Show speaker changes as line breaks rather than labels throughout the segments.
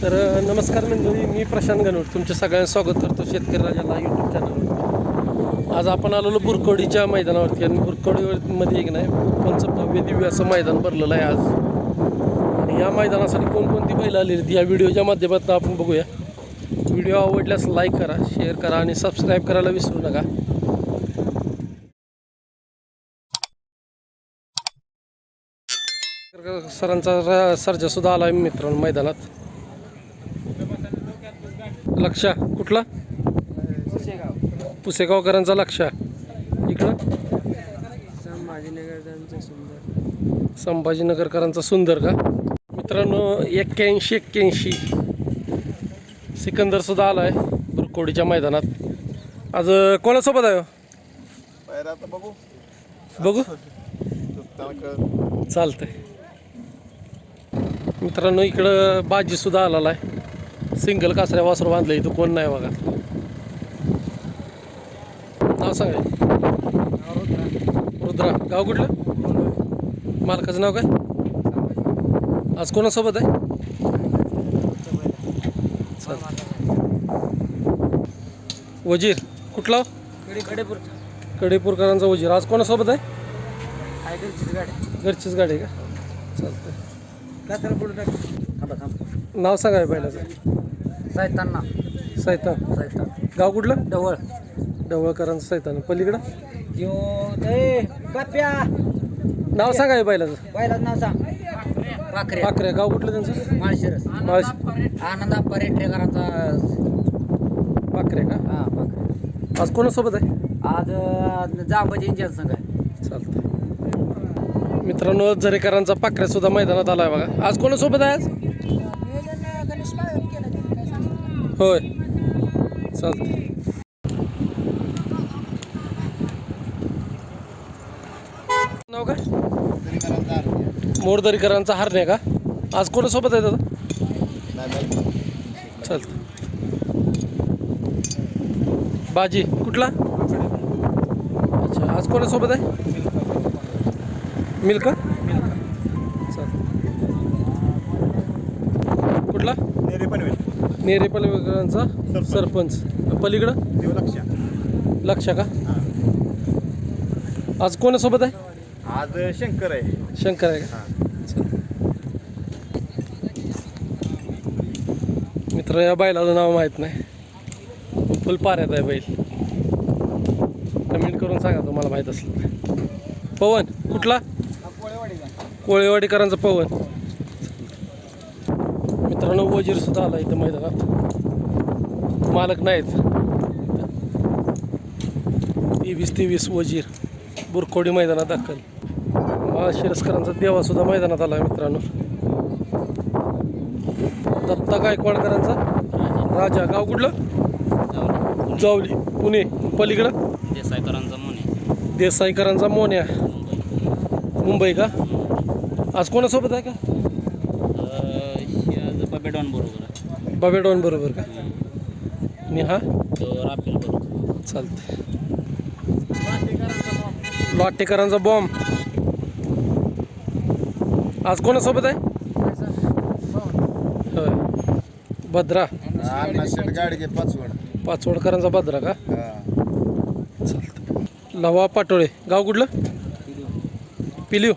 तर नमस्कार मंडळी, मी प्रशांत गणवट तुमच्या सगळ्यांचं स्वागत करतो शेतकरी राजाला यूट्यूब चॅनलवर. आज आपण आलेलो बुरकवडीच्या मैदानावरती आणि बुरकवडीमध्ये एक नाही पंचभव्य दिव्य असं मैदान भरलेलं आहे आज. आणि या मैदानासाठी कोणकोणती बैल आलेली आहेत या व्हिडिओच्या माध्यमातून आपण बघूया. व्हिडिओ आवडल्यास लाईक करा, शेअर करा आणि सबस्क्राईब करायला विसरू नका. सरांचा सर्जासुद्धा आला आहे मित्रांनो मैदानात. लक्षा कुठला? पुसेगावकरांचा लक्षा. इकडं संभाजीनगरकरांचा सुंदर का मित्रांनो. 81 सिकंदर सुद्धा आला आहे बुरकोडीच्या मैदानात. आज कोणासोबत आहे? बघू चालतंय मित्रांनो. इकडं बाजी सुद्धा आलेला आहे. सिंगल कासऱ्या वासर बांधलं. इथं कोण नाही बघा. नाव सांगा. रुद्रा. गाव कुठलं? मालकाचं नाव काय? आज कोणासोबत आहे? वजीर कुठला? कडेपूरकरांचा वजीर. आज कोणासोबत आहे? घरचीच गाडी आहे का? चालतंय. नाव सांगा पहिल्याचं. सैतान. गाव कुठलं? ढवळकरांचं सैतान. पलीकडं नाव सांगा पहिल्याचं.
नाव सांग.
पाखरे. गाव कुठलं त्यांचं?
माळशिरस. आनंद पर्यटकांचा
पाखरे का?
हा.
आज कोणासोबत आहे?
आज जांबाजींच्या संघ आहे.
चालतं मित्रांनो. झरेकरांचा पाखऱ्या सुद्धा मैदानात आला आहे बघा. आज कोणासोबत आहे? आज होय. चालतं. नाव काय? मोरदरीकरांचा हरणे का? आज कोणासोबत आहे दादा? चालतं. बाजी कुठला? अच्छा. आज कोणासोबत आहे? मिल्का. चालतं. कुठला? नेरेपलकरांचा सरपंच. पलीकडं लक्षा का? आज कोणासोबत आहे?
आज शंकर आहे.
शंकर आहे का? मित्र या बैलाचं नाव माहीत नाही. फुल पाऱ्यात आहे बैल. कमेंट करून सांगा तुम्हाला माहीत असलं. पवन कुठला? कोळेवाडीकरांचा पवन. मित्रांनो वजीर सुद्धा आला इथं मैदानात. मालक नाहीत. 23 वजीर बुरकोडी मैदानात दाखल. शिरस्करांचा देवा सुद्धा मैदानात आला आहे मित्रांनो. दत्ता गायकवाडकरांचा राजा. गाव कुठलं? जावली पुणे. पलीकडं देसाईकरांचा मोन्या. मुंबई का? आज कोणासोबत आहे का? बाबेडॉन बरोबर का? आणि हा चालते. लाटेकरांचा बॉम्ब. आज कोणासोबत आहे? होय. भद्रा. पाचवडकरांचा भद्रा का? चालतं. लवा पाटोळे. गाव कुठलं? पिलिव.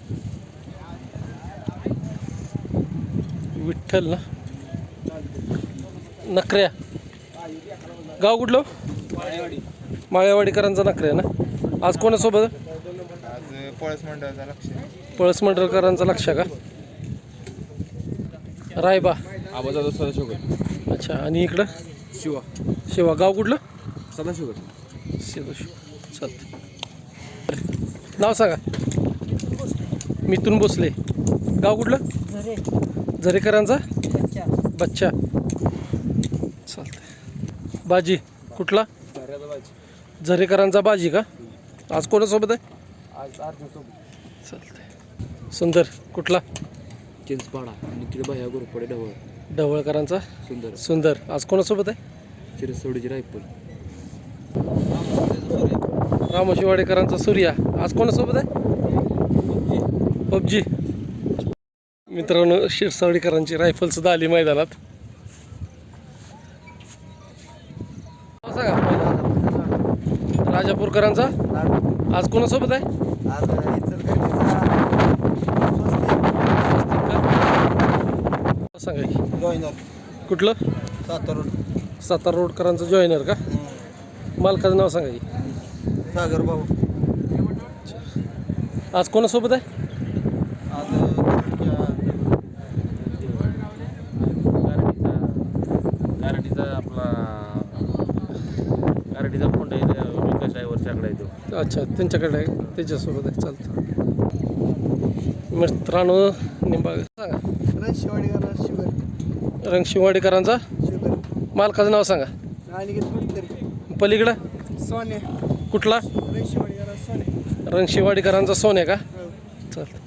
विठ्ठल ना. नखऱ्या. गाव कुठलं? माळेवाडीकरांचा नखऱ्या ना. आज कोणासोबत? पळस मंडळकरांचा लक्ष का? रायबा. अच्छा. आणि इकडं शिवा. गाव कुठलं? सदाशिव. चालतं. नाव सांगा. मिथून भोसले. गाव कुठलं? झरेकरांचा बच्चा. चालतं. बाजी कुठला? झरेकरांचा बाजी का? आज कोणासोबत आहे? चालतंय. सुंदर कुठला?
चिंचपाडा. निखिल भैया गोरपडे
ढवळकरांचा सुंदर. आज कोणासोबत आहे?
चिरसवडीची रायफल.
रामोशीवाडेकरांचा सूर्या. आज कोणासोबत आहे? पबजी. मित्रांनो शिरसावडीकरांची रायफल सुद्धा आली मैदानात. सांगा पहिला राजापूरकरांचा आज कोणासोबत आहे सांगा की.
जॉईनर
कुठलं
सातारा
सातारा रोडकरांचं जॉईनर का मालकाचं नाव सांगा की.
सागर भाऊ
आज कोणासोबत आहे
आज
गारडीचा फोन आहे विकास ड्रायव्हरच्याकडे आहे तो.
अच्छा त्यांच्याकडे आहे त्याच्यासोबत आहे चालतं मित्रांनो निंबाळ सांगा
शिवाडीकर शुगर
रंगशिवाडीकरांचा
शुगर
मालकाचं नाव सांगा
आणि कुठतरी
पलीकडं
सोने
कुठला
शिवाडीकर सोने
रंगशिवाडीकरांचा सोन्या का चालतं